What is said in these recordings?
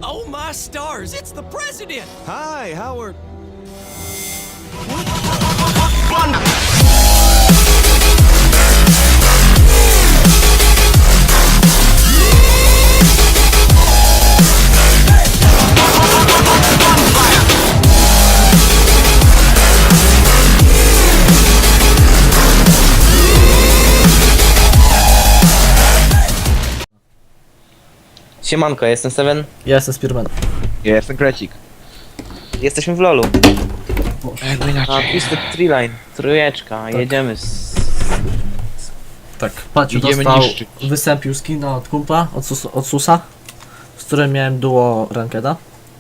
Oh my stars, it's the president! Hi, Howard. Siemanko, ja jestem Seven. Ja jestem Spearman. Ja jestem Krecik. Jesteśmy w LoLu. Jakby A inaczej. Twisted Tree Line, trójeczka, jedziemy z... Tak, Paciu Idziemy dostał, niszczyć. wystąpił skina od kumpla, od Susa, z którym miałem duo rankeda.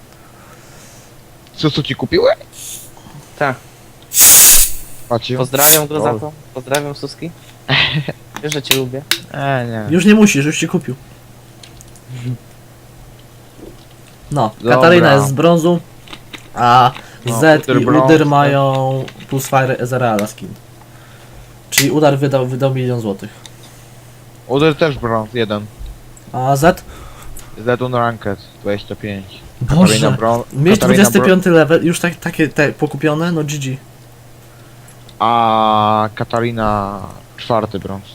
Co ci kupiłem? Tak, Patrzcie. pozdrawiam go za to. Pozdrawiam Suski. Wiesz, że cię lubię. Nie. Już nie musisz, już ci kupił. No, Dobra. Katarina jest z brązu, a No, Z Udyr i brąz, Udyr tak. mają plus Fire Ezreala skin. Czyli Udar wydał 1 000 000 złotych. Uder też brąz, 1. A Z? Z Ranked, 25. Boże, mieć Katarina 25 level, już takie te pokupione, no GG. A Katarina 4 brąz.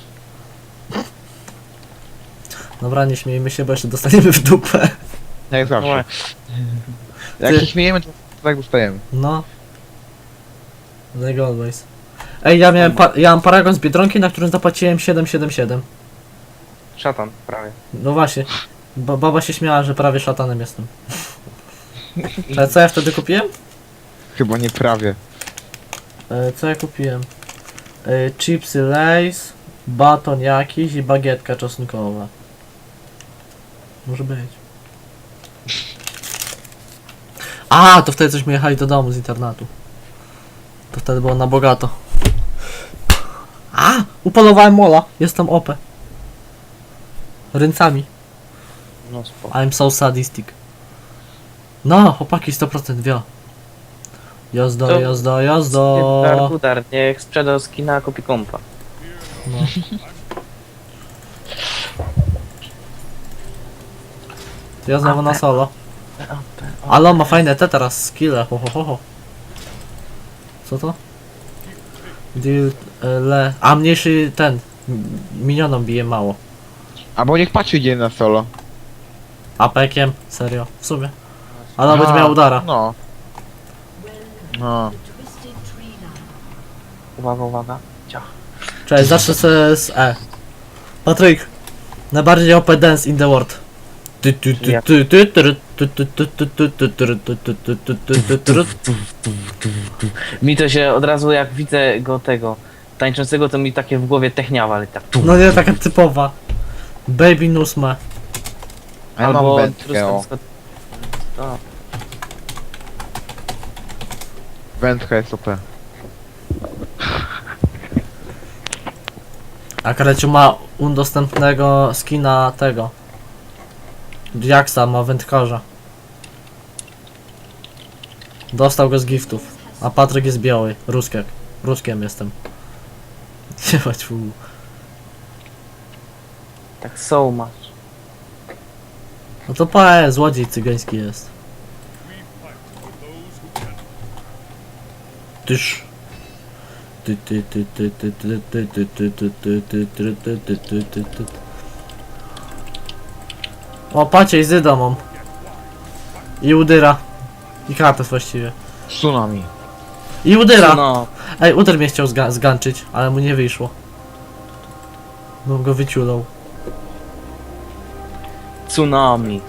Dobra, nie śmiejmy się, bo jeszcze dostaniemy w dupę. Jak zawsze. Ła. Jak Ty- się śmiejemy, to tak dostajemy. No. Like always. Ej, ja mam paragon z Biedronki, na którym zapłaciłem 777. Szatan, prawie. No właśnie. Baba się śmiała, że prawie szatanem jestem. Ale co ja wtedy kupiłem? Chyba nie prawie. Co ja kupiłem? Chipsy Lays, baton jakiś i bagietka czosnkowa. Może być. A, to wtedy cośmy jechali do domu z internatu. To wtedy było na bogato. A, upolowałem mola. Jestem OP. Ręcami. No spoko. I'm so sadistic. No, chłopaki 100% wio. Jazda, To- jazda, jazda. Udar, niech sprzedał skina, a kupi kompa. No. Ja znowu na solo. Ale on ma fajne te teraz skille, ho ho ho ho. Co to? Deal, a mniejszy ten. Minionom bije mało. Albo niech patrzy idzie na solo. Apekiem, serio, w sumie. Ale on będzie miał udara. No. No. Uwaga, uwaga. Ciach. Cześć, zacznę sobie z E. Patryk, najbardziej OP dance in the world. Mi to się od razu, jak widzę go tego tańczącego, to mi takie w głowie techniawa, ale tak. No nie, taka typowa. Baby Nusma. A ja mam wędkę, o. To. Wędka jest OP. A Kreciu ma udostępnego skina tego. Jacksa ma wędkarza. Dostał go z giftów. A Patryk jest biały. Ruskiek. Ruskiem jestem. Nie ma ćwu. Tak so much. No to pa, złodziej cygański jest. Tyż. O, pacie i Zyda mam. I Udyra. I Kratos właściwie. Tsunami. I Udyra! No, Ej, Udyr mnie chciał zganczyć, ale mu nie wyszło. Bym go wyciulał. tsunami.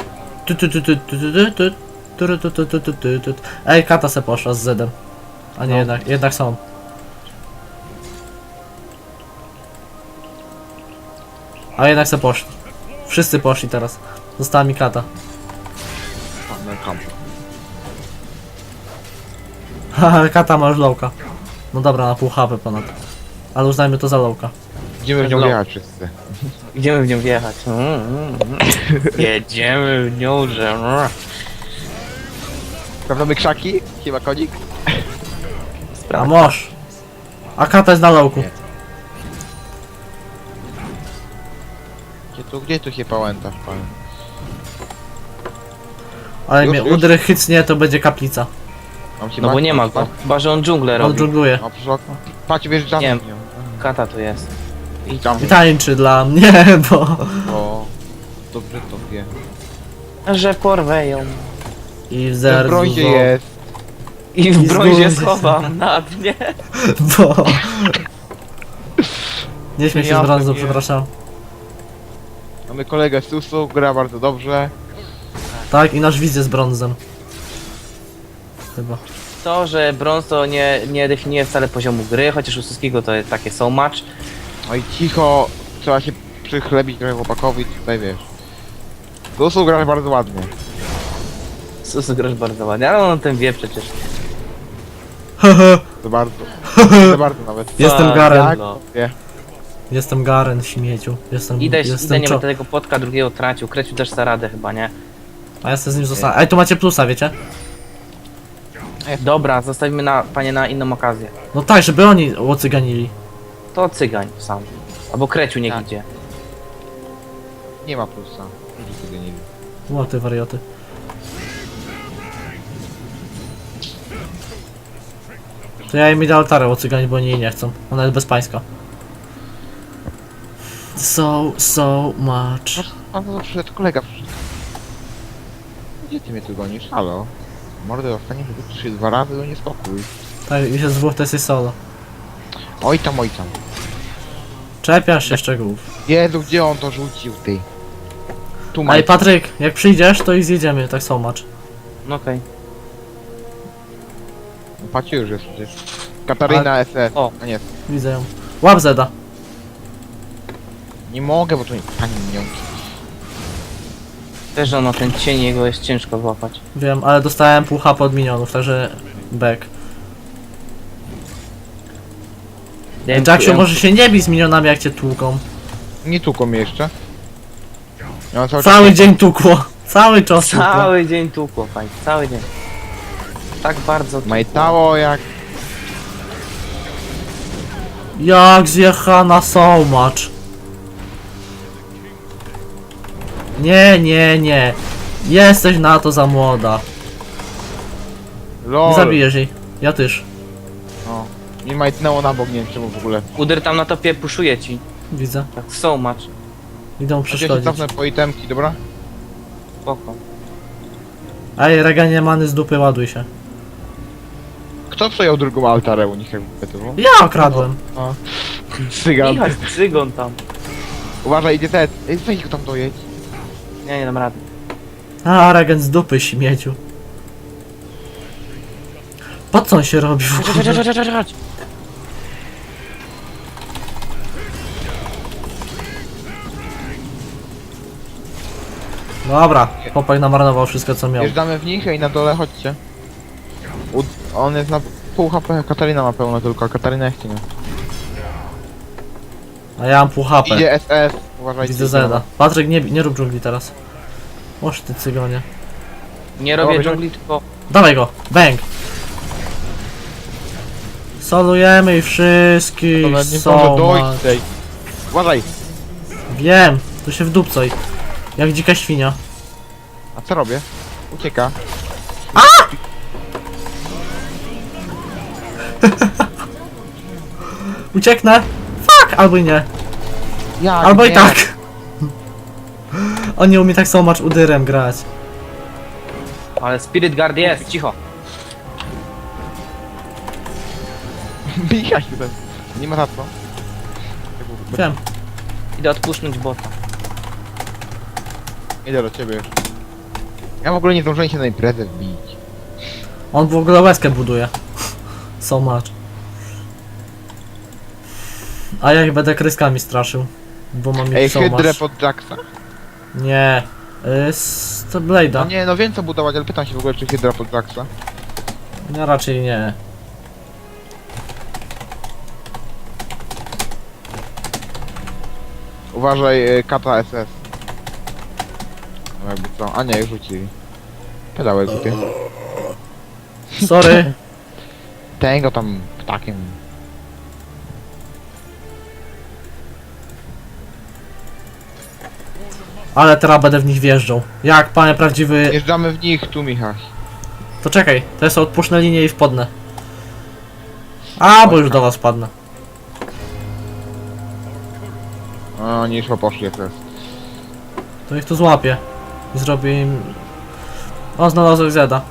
Ej, Kata se poszła z Zedem. A nie, No. jednak są. A jednak se poszli. Wszyscy poszli teraz. Została mi Kata. Haha, Kata ma już lowka. No dobra, na pół HP ponad. Ale uznajmy to za lowka. Idziemy w nią No. jechać wszyscy. Idziemy w nią wjechać. Jedziemy w nią, że... Sprawdzamy krzaki? Chyba konik? A moż. A Kata jest na lowku. Gdzie tu się pałętasz, pan? Ale Już, mnie już? udry chycnie, to będzie kaplica. Mam ci No bo mać? nie ma go. Chyba, że on dżunglę On robi. dżungluje. O, przyszło okno. Patrz, wjeżdżamy Nie. w nią. Kata tu jest. I tam, I tańczy dla mnie, bo... bo... Dobrze to wie. Że porwę ją. I w W zerzu, brązie jest. I w I brązie zgubię. schowam na dnie. bo... Nie śmiej się Ja z brązu, pewnie. przepraszam. Mamy kolegę Susu, gra bardzo dobrze. Tak, i nasz widz jest brązem. Chyba. To, że brąz to nie definiuje wcale poziomu gry, chociaż u wszystkiego to jest takie so much. No i cicho, trzeba się przychlebić trochę chłopakowi, tutaj wiesz. Susu gra bardzo ładnie. Sus grasz bardzo ładnie, ale on o tym wie przecież. To bardzo. To bardzo nawet. Jestem Tak, Garen. no. Wie. Jestem Garen, śmieciu. Jestem, Idę jestem nie będę tego potka drugiego tracił. Kreciu też za radę chyba, nie? A ja sobie z nim zostanę. Ej, tu macie plusa, wiecie? Dobra, zostawimy panie na inną okazję. No tak, żeby oni łocyganili. To cygań sam. Albo Kreciu niech Tak. idzie. Nie ma plusa. Ludzie sobie nie lubią. O, ty warioty. To ja im idę altarę łocyganić, bo oni jej nie chcą. Ona jest bezpańska. So much. A to przyszedł kolega przyszedł. Gdzie ty mnie tu gonisz? Halo? Mordę dostanie chyba 3-2 razy, to nie spokój. Tak, już jest dwóch, to jest solo. Oj tam, oj tam. Czepiasz się szczegółów. Jezu, gdzie on to rzucił, ty? Tu Ej, Mike. Patryk, jak przyjdziesz, to i zjedziemy, tak so much. No okej. Patrzcie już jest przecież. Kataryna SS. O. A nie, Widzę ją. Łap Zeda. nie mogę, bo to nie... Pani nią. Też, że no ten cień jego jest ciężko złapać. Wiem, ale dostałem pół HP od minionów, także... Back. Ja Ej, Jacksiu, może się nie bij z minionami, jak cię tłuką. Nie tukło mnie jeszcze. Ja mam Cały dzień tukło. Cały czas tukło. Cały dzień tłukło, fajnie, cały dzień. Tak bardzo tłukło. Majtało jak... Jak zjechana so much. Nie. Jesteś na to za młoda. LOL. Nie zabijesz jej. Ja też. No. Mi majtnęło na bok, nie wiem czemu w ogóle. Udyr tam na topie puszuje ci. Widzę. Tak so much. Idą Ja się przeszkodzić. cofnę po itemki, dobra? Spoko. Ej, reganie many z dupy, ładuj się. Kto przejął drugą altarę u nich jakby to było? Ja okradłem. Cygan. Michał, cygon tam. Uważaj, idzie ten. Ej, weź go tam dojedź. Nie dam rady. A, regen z dupy, śmieciu. Po co on się robi w ogóle? Chodź. Dobra, chłopak namarnował wszystko co miał. Wjeżdżamy w nich i na dole chodźcie. On jest na pół HP, Katarina ma pełno tylko, a Katarina jeszcze nie. A ja mam pół HP. Idzie SS, uważajcie. Widzę Zeda. Patryk, nie rób dżungli teraz. Oż ty cygonie. Nie robię Dobra, dżungli, tylko Dawaj go, bang! Solujemy i wszystkich, Ona nie so może dojść much. tej. Uważaj! Wiem, tu się wdupcoj. Jak dzika świnia. A co robię? Ucieka. Ucieknę? Fuck! Albo i nie. Jak Albo i nie? tak. On nie umie tak so much udyrem grać. ale Spirit Guard jest, cicho. Bijać ten. Nie ma za co. Wiem. Idę odpuszczać bota. Idę do ciebie już. Ja w ogóle nie zdążyłem się na imprezę wbić. On w ogóle łezkę buduje. So much. A ja ich będę kryskami straszył. Bo mam Ej, ich so hydrę much. pod Jacksa. Nie. Z to Blade'a. No nie, no wiem co budować, ale pytam się w ogóle czy hydra pod Jacksa. No raczej nie. Uważaj, kata SS. No jakby co, a nie, już rzucili. Pedały głupie. Sorry. Tego tam ptakiem. Ale teraz będę w nich wjeżdżał. Jak panie prawdziwy... Jeżdżamy w nich tu, Michał. To czekaj, to jest odpuszczę linię i wpadnę. A, bo już do was padnę. O, nie szło poszli jak to jest. To ich tu złapię. I zrobię im... O, znalazłem Zeda.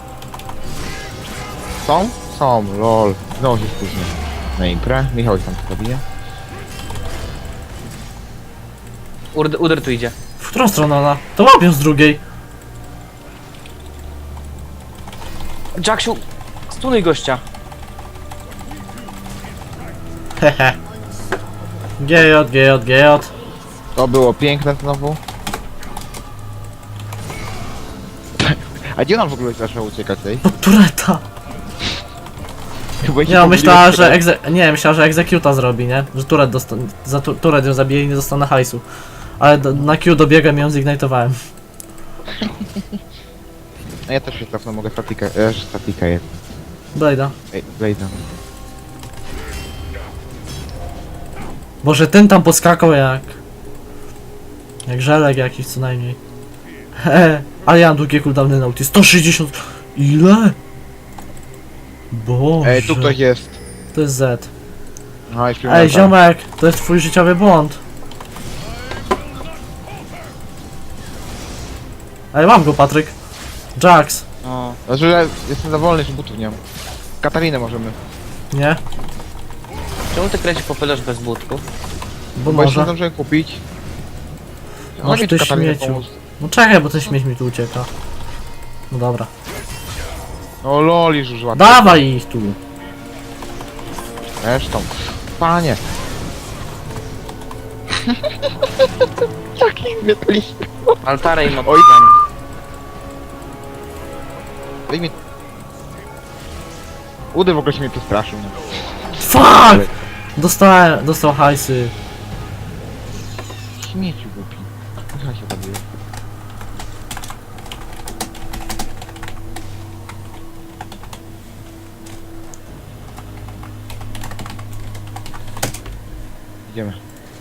Są? Są, lol. Znowu się spóźnię. Na imprę. Michał ich tam zabije. Uder tu idzie. W którą stronę ona? To łapią z drugiej. Jacksiu, stunuj gościa. Hehe. GJ. To było piękne znowu. A gdzie nam w ogóle zaczęło uciekać tej? Pod tureta. Chyba się Nie, no, myślała, pomyliłem, że myślała, że executa zrobi, nie? Że turet za turet ją zabije i nie dostanę hajsu. Ale na Q dobiegłem i ją zignitowałem. No ja też się cofnę, mogę statikę. Statika jest. Blade'a. Ej, Blade'a. Boże, ten tam poskakał jak... Jak żelek jakiś co najmniej. Hehe. Ale ja mam długie cooldowny na ulti. 160... Ile? Boże. Ej, tu ktoś jest. To jest Z. No, już Ej, ziomek, to jest twój życiowy błąd. Ej, mam go, Patryk. Jax. O, Znaczy, że jestem za wolny, że butów nie mam. Katarinę możemy. Nie? czemu ty kręcisz popylasz bez budków? Bo Bo jeszcze nie może. zdążyłem kupić. Masz mi ty tu Katarinę śmieciu. pomóc. No czekaj, bo ten śmieć mi tu ucieka. No dobra. O lol, już ładnie. Dawaj ich tu. Zresztą. Panie. Jaki zwietliście. Altarę i Oj. motywami. Daj mi... Udy w ogóle się mnie przestraszył. Nie? Fuck! Dostał hajsy. Śmieciu głupi. Ja się zabiję. Idziemy.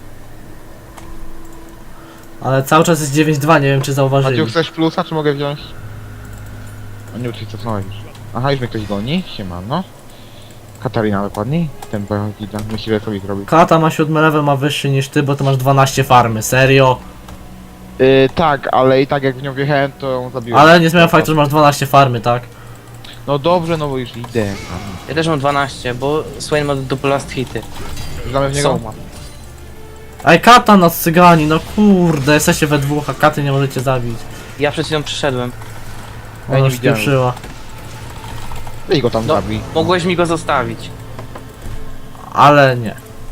Ale cały czas jest 9-2, nie wiem czy zauważyli. Maciu, chcesz plusa, czy mogę wziąć? O nie, ty cofnąłeś już. Aha, już mnie ktoś goni. Siemano. Katarina dokładniej. Ten pojechał, myśli, że sobie zrobi. Kata ma 7 level, ma wyższy niż ty, bo ty masz 12 farmy, serio? Tak, ale i tak jak w nią wjechałem, to ją zabiłem. Ale nie zmienia faktu, że masz 12 farmy, tak? No dobrze, no bo już idę. Ja też mam 12, bo Swain ma double last hity. Znamy w niego? Są ma. Ej, Kata nas cygani, no kurde, jesteście we dwóch, a Katy nie możecie zabić. Ja przed chwilą przyszedłem. Ja nie Ona widziałem. spieprzyła. Weź go tam No, zabij. mogłeś mi go zostawić. Ale nie.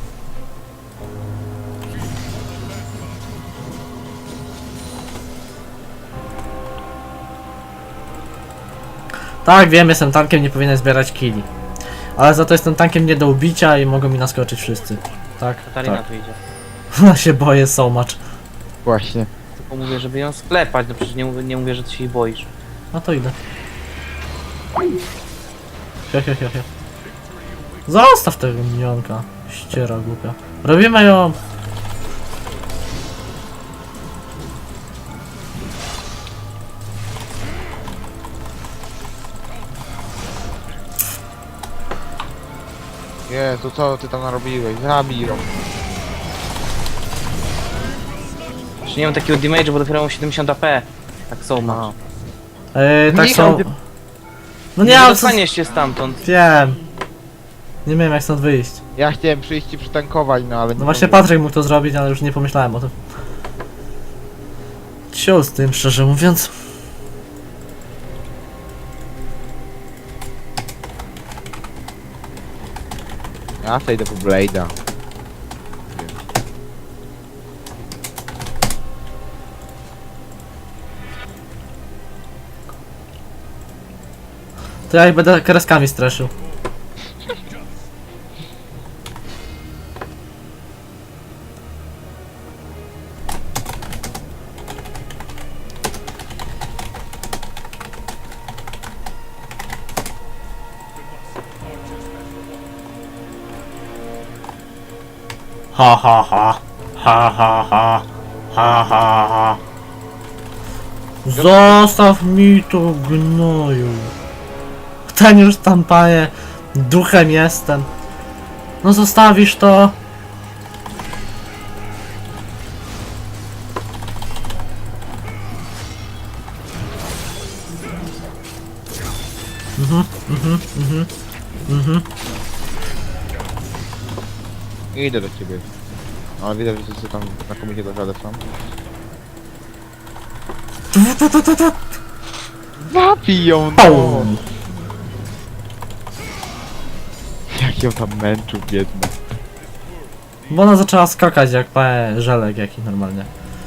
Tak, wiem, jestem tankiem, nie powinienem zbierać killi. Ale za to jestem tankiem nie do ubicia i mogą mi naskoczyć wszyscy. Tak? Katarina Tak. tu idzie. Ja się boję so much. Właśnie. Tylko mówię, żeby ją sklepać, no przecież nie mówię, że ty się jej boisz. No to idę. He. Zostaw tego minionka. Ściera głupia. Robimy ją. Jezu, co ty tam narobiłeś? Zabij ją. Jeszcze nie mam takiego damage'u, bo dopiero mam 70 AP. Tak są ma. Tak Nie, są. No nie, Nie ale co... dostaniesz się stamtąd. Wiem. Nie wiem jak stąd wyjść. Ja chciałem przyjść i przytankować, no ale nie No właśnie mogłem. Patryk mógł to zrobić, ale już nie pomyślałem o tym. Ciul z tym, szczerze mówiąc. Ja sobie idę po Blade'a. To ja ich będę kreskami straszył. Ha ha ha. Ha ha ha. Ha ha ha. Zostaw mi to, gnoju. Ten już tam, panie, duchem jestem. No zostawisz to. Idę do ciebie. Ale widać, że wszyscy tam na komicie do żadę są. Zabiją, no! Au. Jak ją tam męczył, biedny. Bo ona zaczęła skakać jak panie żelek jaki normalnie.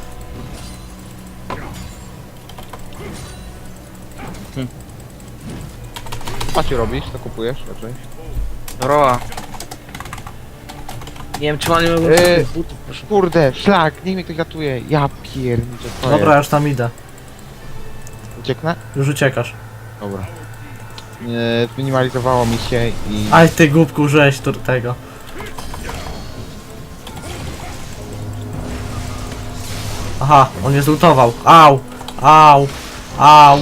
Co ci robisz? Co kupujesz raczej? Roa. Nie wiem, czy mam nie mogę butów, proszę. Kurde, szlak, niech mnie ktoś ratuje. Ja pierniczę, co Dobra, już tam idę. Ucieknę? Już uciekasz. Dobra. Zminimalizowało mi się i... Aj ty głupku, użyłeś tego. Aha, on mnie zlutował. Au! Au! Au!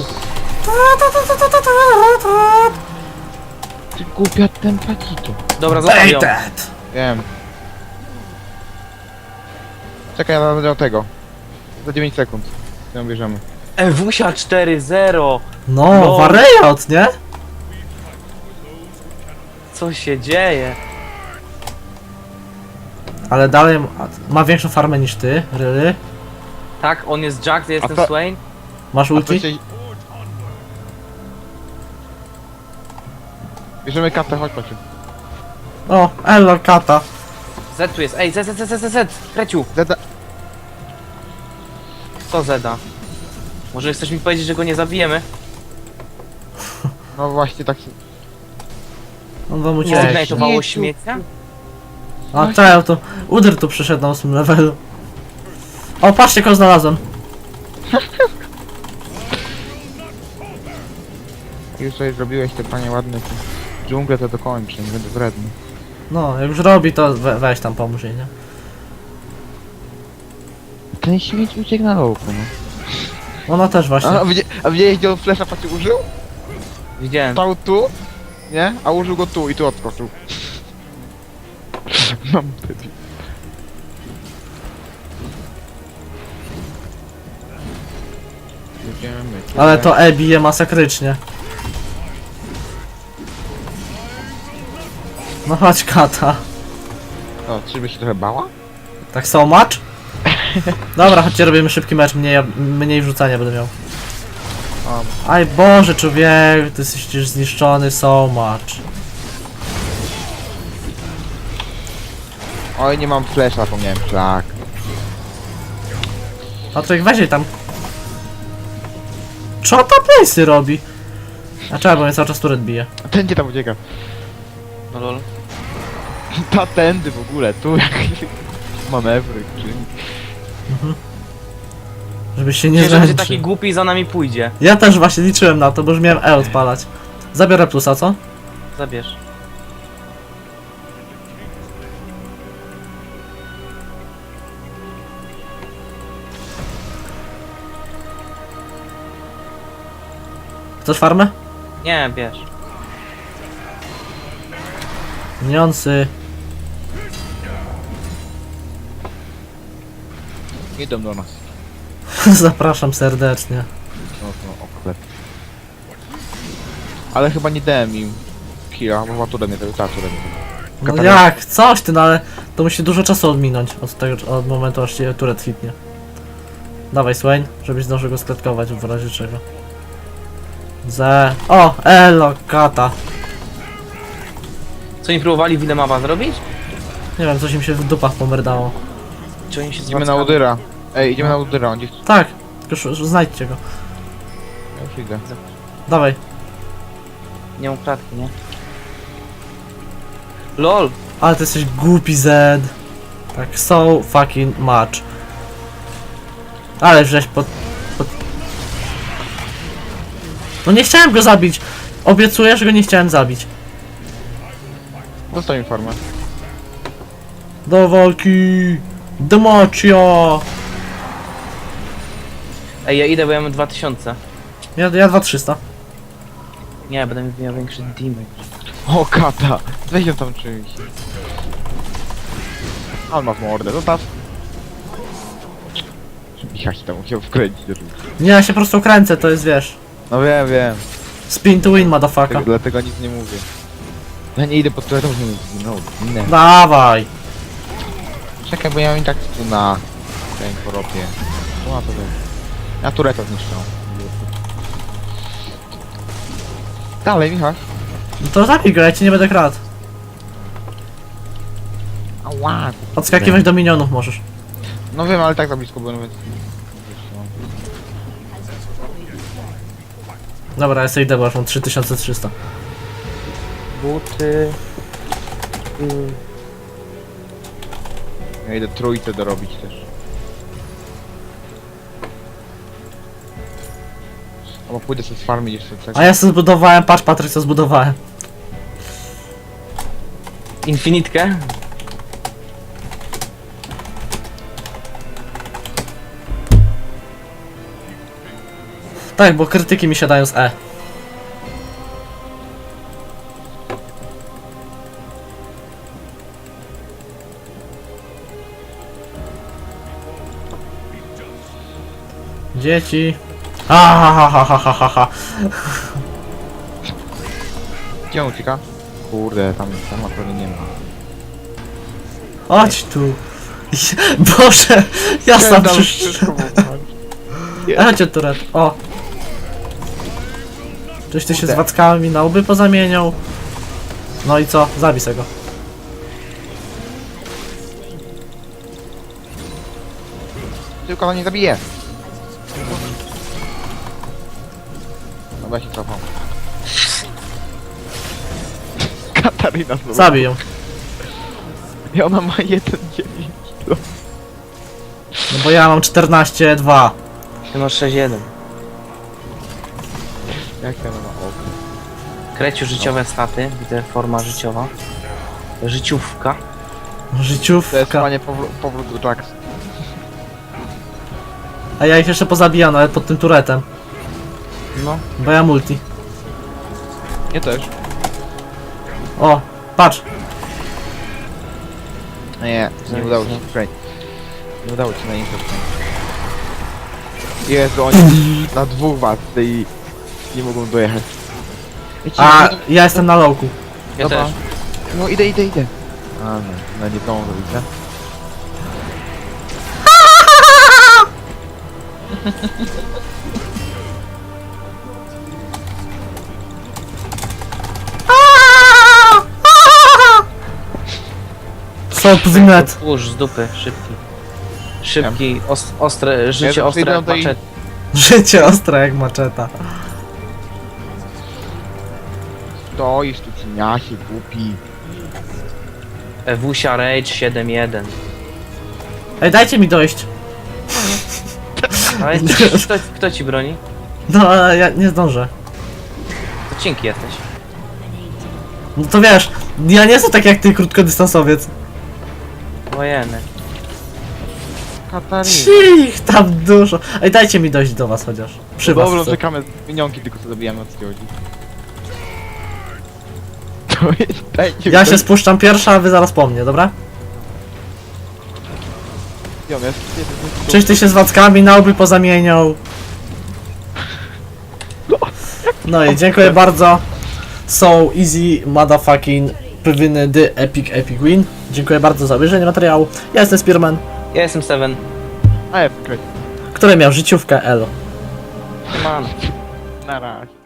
Ty głupia tempatito. Dobra, zostaw ją. Baited! Wiem. Czekaj, ja będę tego. Za 9 sekund. Ją bierzemy. Ewusia 4-0. No, No. wariat, nie? Co się dzieje? Ale dalej ma większą farmę niż ty, really? Tak, on jest Jack, ja jestem to- Swain. Masz A to ulti? się... Bierzemy katę, chodź Paciu. O, elo, kata. Z tu jest, ej, Z, Kreciu. Zeda... Co Zeda? Może chcesz mi powiedzieć, że go nie zabijemy? No właśnie tak się... On wam Nie uciekł. zignajtowało Śmieciu. śmiecia? A czemu to Udyr tu przyszedł na 8 levelu. O, patrzcie, kogo znalazłem. Już sobie zrobiłeś te panie ładne te dżungle, to dokończę, nie będę wredny. No, jak już robi, to weź tam pomóż jej, nie? Ten śmieć uciekł na lowku, no. Ona też właśnie. A widziałeś, gdzie on flesza Paciu użył? Widziałem. Stał tu, nie? A użył go tu i tu odskoczył. Mam debil. Jedziemy, Ale to E bije masakrycznie. No chodź, kata. O, czyżby się trochę bała? Tak so much? Dobra, chodźcie, robimy szybki mecz, mniej wrzucania będę miał. Aj Boże, człowieku, ty jesteś już zniszczony so much. Oj, nie mam flesza, zapomniałem, szlak. Patryk, weź jej tam. Co ta playsy robi? A czemu, bo mnie cały czas turret bije. A ten gdzie tam ucieka? No lol. Ta tędy w ogóle, tu jakieś manewry, czy... Żebyś się nie Nie, że będzie taki zręczył. głupi i za nami pójdzie. Ja też właśnie liczyłem na to, bo już miałem E odpalać. Zabiorę plusa, co? Zabierz. Chcesz farmę? Nie, bierz. Miniący. Idą do nas. Zapraszam serdecznie. No to oklep. Ale chyba nie dałem im killa, bo maturę nie dał, ta turę nie dał. No jak? Coś ty, no ale to musi dużo czasu odminąć od momentu aż się turret hitnie. Dawaj Swain, żebyś zdążył go sklatkować w razie czego. O! Elo, kata. Co oni próbowali Wilemawa zrobić? Nie wiem, coś im się w dupach pomerdało. Czy oni się Idziemy na zwracają? Udyra. Ej, idziemy na Udyra, on gdzieś... Tak, tylko znajdźcie go. Ja już idę. Dawaj. Nie mam klatki, nie? LOL! Ale ty jesteś głupi Zed. Tak, so fucking much. Ale żeś pod... No nie chciałem go zabić. Obiecuję, że go nie chciałem zabić. Zostań mi farmę. Do walki! Democio! Ej, ja idę, bo ja mam 2000. Ja 2300. Nie, będę miał większy damage. O, kata! Weź ją tam czymś. On ma w mordę, zostaw. Ja się tam musiał wkręcić do rzutu. Nie, ja się po prostu kręcę, to jest wiesz. No wiem. Spin to win, motherfucker. Dlatego nic nie mówię. Ja nie idę pod turetą, żeby zginął. Ginę. Dawaj. Czekaj, bo ja mam i tak tu na ten poropie. No to wiem. Ja turetę zniszczę. Dalej, Michał. No to zabij go, ja ci nie będę kradł. Ała. Odskakiwać do minionów możesz. No wiem, ale tak za blisko byłem, więc... Dobra, ja sobie idę, bo już mam 3300. Buty... Ja idę trójce dorobić też. Albo pójdę sobie z farmy jeszcze tak. A ja sobie zbudowałem, patrz Patryk, co zbudowałem. Infinitkę? Tak, bo krytyki mi siadają z E. Dzieci. Ha. Gdzie on ucieka? Kurde, tam naprawdę nie ma. Chodź tu. Boże, ja sam przyszedłem. Chodźcie turet, o. Czyś ty się z wackami na łby pozamieniał. No i co? Zabij se go. Tylko on nie zabije. Dobra, się cofam. Katarina znowu. Zabij ją. I ona ma 1,9 kilo. No bo ja mam 14,2. Ty masz 6-1. Jak ja ma oko? Kreciu życiowe staty, widzę forma życiowa. Życiówka. To jest Życiówka. panie powrót do Jax. A ja ich jeszcze pozabijam nawet pod tym turetem. No. Bo ja multi. Nie też. O, patrz. Nie udało ci się wkręcić. Nie udało ci na info wkręcić. Jezu, oni na dwóch was i nie mogą dojechać. Wiecie, A ja jestem na lowku. Ja Dobra. też. No idę. A no nie tą widzę. Stop the net. Push z dupy, szybki. Szybki, ostre, życie Ja ostre przyjdę jak do tej- maczet. Życie ostre jak maczeta. Stoisz tu cieniasie, głupi. Ewusia Rage 7.1. Ej, dajcie mi dojść. Ale kto ci broni? No, ale ja nie zdążę. To cienki jesteś. No to wiesz, ja nie jestem tak jak ty, krótkodystansowiec. Wojeny. Katarina. Ich tam dużo. Ej, dajcie mi dojść do was chociaż. Przy was Dobrze, chcę. czekamy minionki, tylko co zabijamy od chodzi. To jest, dajcie Ja mi się dojść. spuszczam pierwsza, a wy zaraz po mnie, dobra? Ja miałem- Czyś ty się z wackami na łby pozamieniał. No i dziękuję bardzo. So easy motherfucking powinny the epic win. Dziękuję bardzo za obejrzenie materiału. Ja jestem Spearman, Ja jestem Seven. A ja wkręć. który miał życiówkę Elo. Man. Na razie.